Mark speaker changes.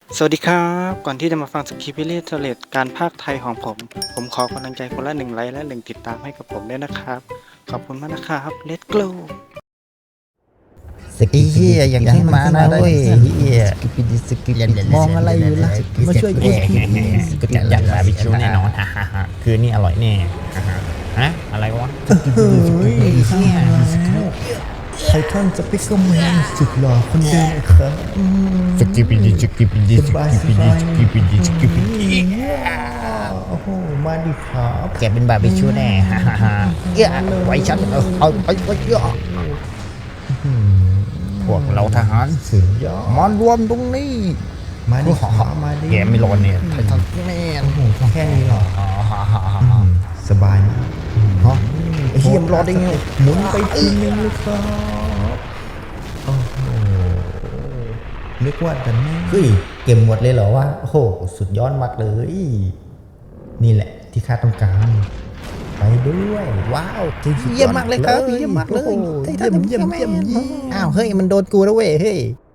Speaker 1: สวัสดีครับก่อนที่จะมาฟังสคริปต์วิลเลจเลตการพากย์ไทยของผมขอกำลังใจคนละ1 ไลค์และ1ติดตามให้กับผมด้วยนะครับขอบคุณมากนะครับ Let's go
Speaker 2: ไอ้เหี้ยอย่างที่มานะเว้ยเหี้ยมองอะไรอยู่ล่ะมาช่วยกูที
Speaker 3: ก็จะอยากบาร์บีคิวแน่นอนฮ่าฮ่าฮ่าคืนนี้อร่อยแน่ฮ่าฮ่าฮะอะไรวะ
Speaker 2: เฮ้ยเหี้ยไททันสปิกเกอร์แมนสุดหล่อคนเดิมครับ
Speaker 3: สกิปปี้ดีสกิปปี้ดีสกิปปี้ดีสกิปปี้ดีสกิปปี้ดี
Speaker 2: โอ้โหมาดิครับ
Speaker 3: แกเป็นบาร์บีคิวแน่ฮ่าฮ่าฮ่าเอ้ยไว้ฉันเอาไปเยอะพวกเราทหาร
Speaker 2: สุดยอด
Speaker 3: มารวมตรงนี้
Speaker 2: มาดิครับมาดิ
Speaker 3: แกไม่รอเนี่ยไททันแม่
Speaker 2: โอ้โหแค่นี้เหรอ
Speaker 3: ฮ่าฮ่าฮ่า
Speaker 2: สบายมาก
Speaker 3: ฮะไอ้เหี้ยมรอได้ไง
Speaker 2: หมุนไปทีนึงเลยครับโอ้โหนึกว่าจะแน่เฮ้ยเก็บหมดเลยเหรอวะโอ้โหสุดยอดมากเลย นี่แหละที่ข้าต้องการ ไปด้วยว้าวเยี่ยมมากเลยครับเยี่ยมมากเลยเยี่ยมอ้าวเฮ้ยมันโดนกูแล้วเว้ยเฮ้ย